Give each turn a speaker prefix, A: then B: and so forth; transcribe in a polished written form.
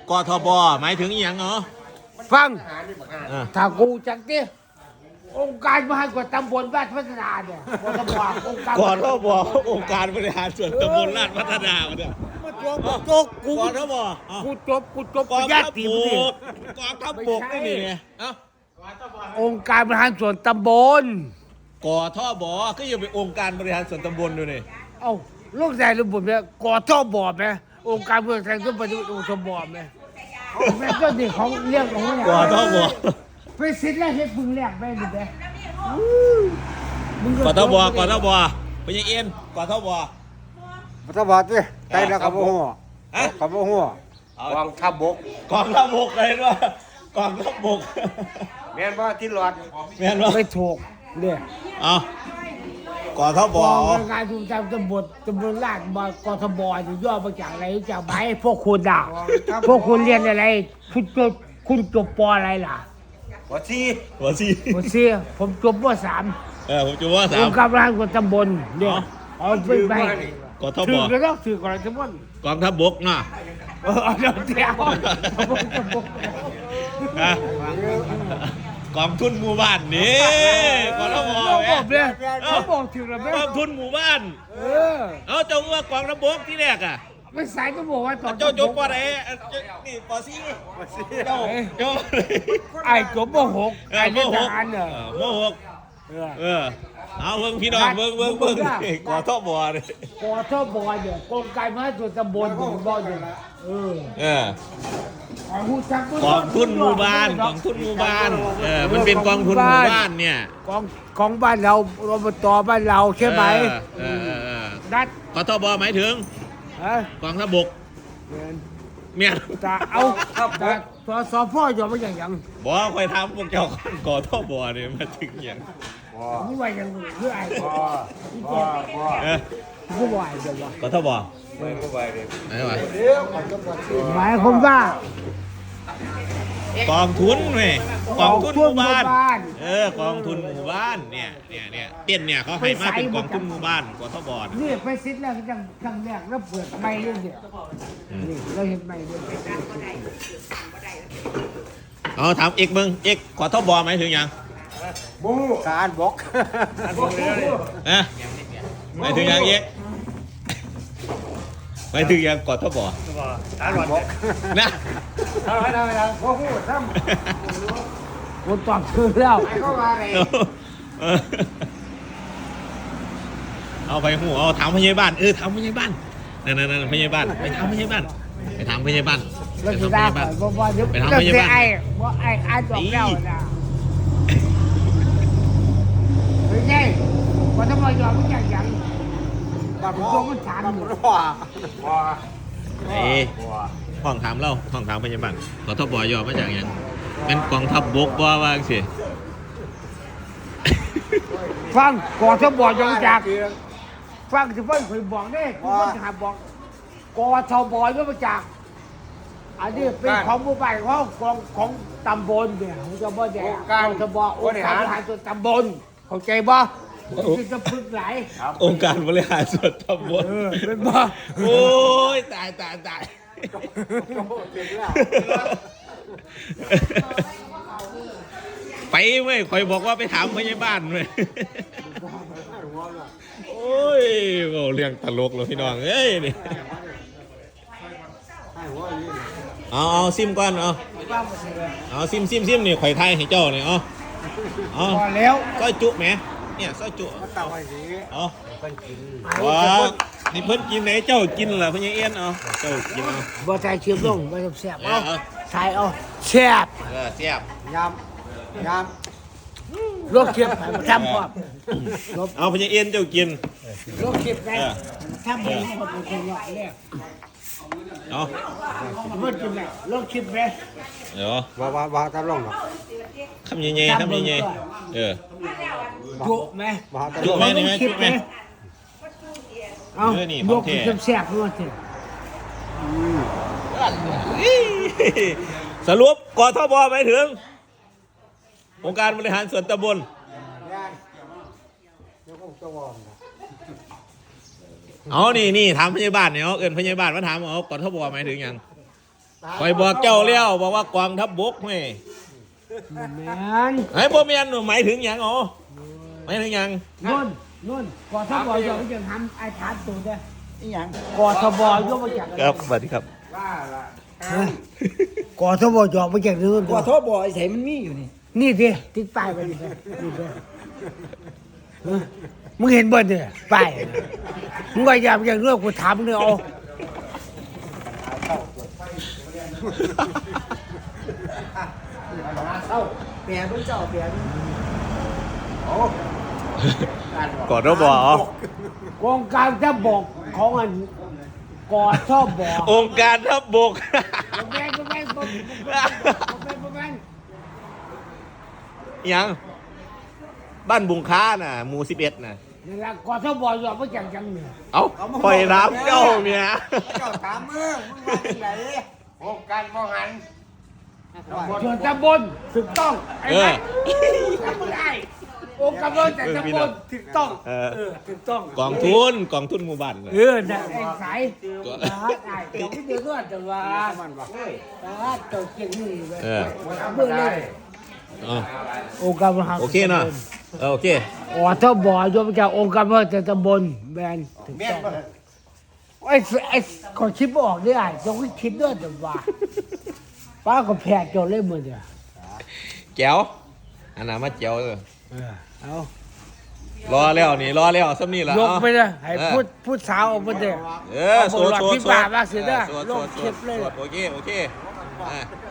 A: กทบหมายถึงอหย่างเหรอ
B: ฟัง
A: อ่า
B: ถ้ากูจักดิองค์การมหากรตำบลบ้านพัฒนาเนี่ยกทบองค์การ
A: กทบองค์การบริหารส่วนตำบลลาดพัฒนาเนี่ย
B: โจกกู
A: กทบ
B: กูจบ
A: กอง
B: ญา
A: ทัพ
B: ติ
A: บ
B: มึง
A: กกองทัพบกนี่นี่เอ้า
B: องค์การบริหารส่วนตำบล
A: กทบก็ยังเป็นองค์การบริหารส่วนตำบลดูนี่
B: เอ้าลูกชายระบุเนี่ยกทบไหมองค์การบริหารส่วนตำบลองค์ทบไหมแม่ก็นี่ของเรื่องของเนี่ย
A: กทบ
B: ไปสิทธิ์แรกให้พึงแรกไปดิเด้มึง
A: กทบกทบพญาเอ็นกทบ
C: รัฐบาลสิใจแล้วกับหัว
A: ฮะ
C: กับหัว
D: กองทัพบก
A: กองทัพบกเลยว่ากองทัพบก
D: แม่นว่าที่หลอด
A: แม่นว่า
B: ไม่ถูกเนี่ย
A: เอากทบ
B: กองการทุนจำตำบลลาดบกทบอยู่ย่อมาจากอะไรจากไหนพวกคุณอ่ะพวกคุณเรียนอะไรคุณจบปอะไรล่ะ
D: หัวซี
A: หัวซี
B: ผมเสียผมจบปสาม
A: ผมจะว่าสา
B: อ
A: ม
B: งค์การบริหารส่วนตำบลเนี่ยเอาไปไป
A: กทบ
B: ถือก็ต้องถือก่อนทั้งหมด
A: กองทัพบกเนาะ
B: เอาเดี๋ยวเดี๋ยว
A: นะกองทุนหมู่บ้านนี่กทบ
B: เขาบอกเนี่ยเขาบอกถึงแล้วไหม
A: กองทุนหมู่บ้าน
B: เออ
A: เอาเจ้าว่ากองทัพบกที่แรกอ่ะ
B: ไม่สายก็บอกว่าตอน
A: เจ้าจบปอไหนนี่ปอซีเจ้า
B: ไอ้จบมหกไอ้เป็นทหารเหรอ
A: มหกเอาเบิ่งพี่น้องเบิ่งนี่กทบเลย
B: กทบเนี่ยกองการมหาส่วนตำบลผมบอกอยู่เออ
A: กองทุนหมู่บ้านกองทุนหมู่บ้านมันเป็นกองทุนหมู่บ้านเนี่ย
B: ของบ้านเราอบตบ้านเราใช่ไหมนัด
A: กทบหมายถึง
B: ฮะ
A: กองทัพบกเมียน
B: ตาเอาตาสพ่ออยู่มาอย่างยัง
A: บอกคอยทำพวกเจ้ากทบเนี่ยมาถึงอย่าง
B: นี่ว่าอย่างคือไอ้ ผู้วายเดี๋ยว
A: กทบ
D: ไม่ก็ไปเลย
A: ไหนวะ
B: หมายความว่าก
A: องทุนเว้ยกองทุนหมู่บ้าน
B: กองทุนหมู่บ้าน
A: กองทุนหมู่บ้านเนี่ยเต้นเนี่ยเขาให้มาเป็นกองทุนหมู่บ้านกทบ
B: นี่ไปซิดแล้วจังครั้งแรกแล้วเปิดไม่เรื่องเดียวนี่เราเห็นไม่เรื่อง
A: เอาถามเอกมึงเอกกทบหมายถึงอย่าง
C: บูการบก
A: หมายถึงอย่างเอกหมายถึงอย่างกทบ
C: การบก
A: นะ
C: ทำไมโอ้โหท
B: คนตอบคือแล้ว
C: ำเข้ามาเลย
A: เอาไปหูเอาถามพยาบาลถามพยาบาลนั่นพยาบาลไปถามพยาบาลไปถามพยาบาล
B: แล้ว
A: ไป
B: จะ
A: ถามพ
B: ได้
A: ยาบาล
B: เพราะว่าเดี๋ยว
A: ไปทำพยาบาล
B: ไอ้ว่าไอ้อ่านจบแล้วนะไม่ใช่ว่าทำไมยอมไม่อย่างยังบางตัวมันถามอยู่
C: ว้า
A: ห้องถามเราห้องถามพยาบาลกทบย่อมาจากอย่างเป็นกองทัพบกว่าสิ
B: ฟังก่อนจะบอกยังจากฟังจะเพิ่งเคยบอกได้คุณก็ถามบอกกทบก็มาจากอันนี้เป็นของหมู่บ้านของตำบลเนี่ยผมจะบอกเนี่ยกทบองค์การบริหารส่วนตำบลเข้าใจบ่ที่จะพึ่งไหล
A: องค์การบริหารส่วนตำบล
B: เป็นบ่
A: โอ้ยตายไปเว้ยคอยบอกว่าไปถามพยาบาลเว้ยโอ้ยเรื่องตลกเลยพี่น้องเอ้ยนี่เอาซิมก่อนเอาซิมนี่ข่อยไทยให้เจ้าเนี่ยเอา
B: พอแล้ว
A: ซอยจุแหมเนี่ยซอยจุ
C: เต่าไอ้สี
A: เอาว้านี่เพิ่นกินไหนเจ้ากินเหรอพญาเอี้ยนเอาเจ้ากินเอา
B: บ่ใส่เชียบลงบ่แซ่บเอา
A: เอา
B: ใส่เอาแซ่บ
A: เสียบ
C: ยำ
B: ลวกเชียบให้มันทำพร้อม
A: เอาพญาเอี้ยนเจ้ากิน
B: ลวกเชียบได้ทำให้หมดเป็นคนใหญ่แล้ว
A: เอา
B: เพิ่นกินได้ลวกเชียบไหม
A: เดี๋ยว
C: ว่าตะล่องหรอ
A: คำใหญ่ๆคำใหญ่ๆ
B: จุไหม
A: จุไหมนี่ไหมจุไหม
B: เอา
A: เออนี่
B: ลวก
A: ของแท้
B: เชียบแซ่บด้วยสิ
A: สรุปกทบหมายถึงองค์การบริหารส่วนตำบล
C: เดี๋ยวก็จะวอม
A: เอานี่ถามพยาบาลเนี่ยเอาเอินพยาบาลมาถามเอากทบหมายถึงยังคอยบอกเจ้าเลี้ยวบอกว่ากองทัพบกเฮ้ย
B: แม่น
A: ไอ้บ่แม่นหมายถึงหยังอ๋อหมายถึงหยัง
B: นุ่นกอทบอยกมาจากทำไอ้ฐานตัวเด้อ
C: อีหยัง
B: กอทบอยกมาจาก
A: ครับสวัสดีครับ
B: กอทบอยกมาจากนู่น
C: กอทบไอ้ไสมันมีอยู่นี่
B: นี่ดิติดป้ายไปนี่ดินี่ดิมึงเห็นบ่เนี่ยป้ายมึงก็อย่าอย่างเรื่องกูถามเนี่ยเอา
C: แปลต้องเจ้าแปลต้อง
A: ก่อนเราบอก
B: กองการจะบอกของอันกอทบอ
A: องค์การทัพบก
B: แม่นบ่แม่นบ่แม่น
A: หยังบ้านบุงค้าน่ะหมู่11น่ะ
B: นี่ล่ะกอทบอยกมาจากจังเนี่ย
A: เอ้าปล่อยน้ำเจ้าเมีย
C: เจ้าถามมึงว่าจังได
D: โองการมองหัน
B: ส่วนตำบลถูกต้องไอ้ไหมทำไม่ได้องค์กำลังแต่ตำบลถูกต้องถูกต้อง
A: กองทุนหมู่บ้านน่ะ
B: น่ะไอ้สายได้เดี๋ยวไม่เดือดร้อนแต่ว่าตัวเก่งนี่เลย
A: เออ
B: เมื่อเลย
A: อ๋อ
B: องค์กำลัง
A: โอเคเนาะโอเค
B: อ๋อถ้าบ่อยกมาจากองค์กำลังแต่ตำบลแบนถูกต้องไอ้คนคิดไม่ออกได้ต้องคิดด้วยแต่ว่าป้าก็แพ้จนเลยมือเดียว
A: แจ๋วอันนั้นมาแจ๋วเลย
B: เอา
A: รอแล้วซ้ำนี่ละ
B: ยกไปเลยให้พูดสาวออกมาเด็ก
A: เออ
B: เอาบทหลอดพี่ป่ามาเสียเด้อ
A: สวด
B: โลกเข็บเลย
A: โอเคอ่ะ